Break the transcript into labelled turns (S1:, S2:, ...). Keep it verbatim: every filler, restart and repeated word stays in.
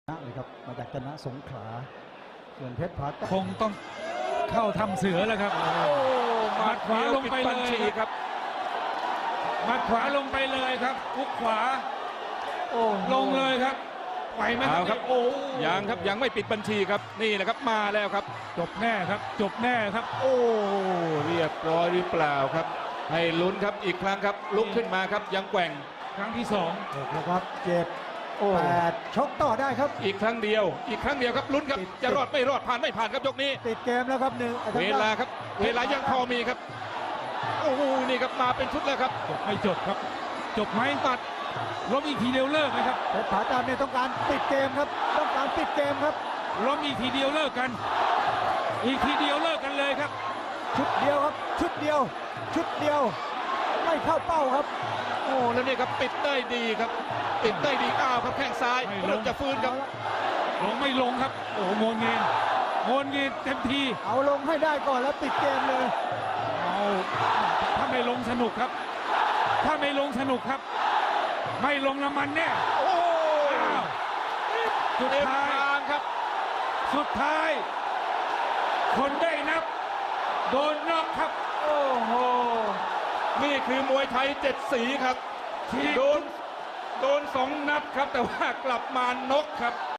S1: เลยครับมาจากจันทสงขลาส่วนเพชรผา
S2: คงต้องเข้าทำเสือแล้วครับหมัดขวาลงไปเลยครับหมัดขวาลงไปเลยครับคุกขวาลงเลยครับไหวไหมครับโอ้ยังครับยังไม่ปิดบัญชีครับนี่แหละครับมาแล้วครับจบแน่ครับจบแน่ครับโอ้เรียบร้อยหรือเปล่าครับให้ลุ้นครับอีกครั้งครับลุกขึ้นมาครับยังแกว่งครั้งที่สอง
S1: นะครับเจ็ดแปดชกต่อได้ครับ
S2: อีกครั้งเดียวอีกครั้งเดียวครับลุ้นครับจะรอดไม่รอดผ่านไม่ผ่านครับยกนี้
S1: ติดเกมแล้วครับหนึ่ง
S2: เวลาครับเวลายังพอมีครับโอ้โหนี่ครับมาเป็นชุดแล้วครับจบไม่จบครับจบไหมปัดล้มอีกทีเดียวเลิกนะครับ
S1: เพชรผาตามเนี่ยต้องการปิดเกมครับต้องการปิดเกมครับ
S2: ล้มอีกทีเดียวเลิกกันอีกทีเดียวเลิกกันเลยครับ
S1: ชุดเดียวครับชุดเดียวชุดเดียวไม่เข้าเป้าครับ
S2: โอ้แล้วนี่ครับปิดได้ดีครับปิดได้ดีอ้าวครับแข้งซ้ายเริ่มจะฟื้นครับลงไม่ลงครับโอ้โหโงนเงินโงนเงินเต็มที
S1: เอาลงให้ได้ก่อนแล้วปิดเกมเลย
S2: เอาถ้าไม่ลงสนุกครับถ้าไม่ลงสนุกครับไม่ลงน้ำมันแน่โอ้สุดท้ายครับสุดท้ายคนได้นับโดนน็อกครับโอ้โหนี่คือมวยไทยเจ็ดสีครับโดนโดนสองนับครับแต่ว่ากลับมานกครับ